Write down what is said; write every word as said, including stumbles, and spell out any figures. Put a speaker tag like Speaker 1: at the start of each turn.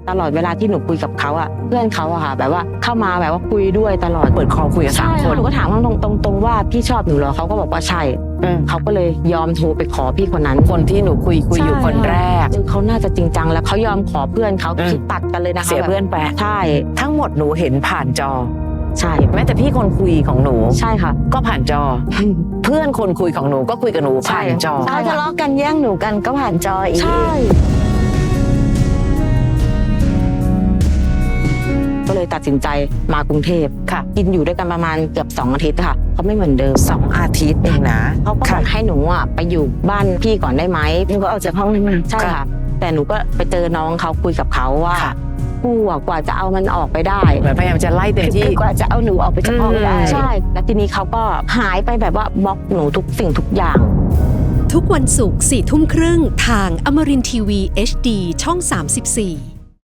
Speaker 1: ตลอดเวลาที่หนูคุยกับเขาอ่ะเพื่อนเขาอะค่ะแบบว่าเข้ามาแบบว่าคุยด้วยตลอด
Speaker 2: เปิดคอคุยกับสามคน
Speaker 1: หนูก็ถามเขาตรงตรงๆว่าพี่ชอบหนูเหรอเขาก็บอกว่าใช่เขาก็เลยยอมโทรไปขอพี่คนนั้น
Speaker 2: คนที่หนูคุยคุยอยู่คนแรก
Speaker 1: เขาน่าจะจริงจังแล้วเขายอมขอเพื่อนเขาคิดตัดกันเลยนะคะ
Speaker 2: เสียเพื่อนไป
Speaker 1: ใช่
Speaker 2: ทั้งหมดหนูเห็นผ่านจอ
Speaker 1: ใช่
Speaker 2: แม้แต่พี่คนคุยของหนู
Speaker 1: ใช่ค่ะ
Speaker 2: ก็ผ่านจอ เพื่อนคนคุยของหนูก็คุยกับหนูผ่านจอ
Speaker 3: เขาทะเลาะกันแย่งหนูกันก็ผ่านจออีก
Speaker 1: ใช่ก็เลยตัดสินใจมากรุงเทพ
Speaker 2: ค่ะ
Speaker 1: กินอยู่ด้วยกันประมาณเกือบสองอาทิตย์ค่ะเขาไม่เหมือนเดิม
Speaker 2: สองอาทิตย์เองนะ
Speaker 1: เขาก็บอกให้หนูอ่ะไปอยู่บ้านพี่ก่อนได้ไหม
Speaker 3: หนูก็ออกจากห้องนั้นมา
Speaker 1: ใช่ค่ะ แต่หนูก็ไปเจอน้องเขาคุยกับเขาว่า
Speaker 2: ค่ะ
Speaker 1: กูอ่ะกว่าจะเอามันออกไปได้
Speaker 2: เหมือนพยายามจะไล่เต็มที่
Speaker 3: คือกว่าจะเอาหนูออกไปจากห้องได้
Speaker 1: ใช่แล้วทีนี้เขาก็หายไปแบบว่าบล็อกหนูทุกสิ่งทุกอย่าง
Speaker 4: ทุกวันศุกร์สี่ทุ่มครึ่งทางอมรินทร์ทีวี เอช ดี ช่อง สามสิบสี่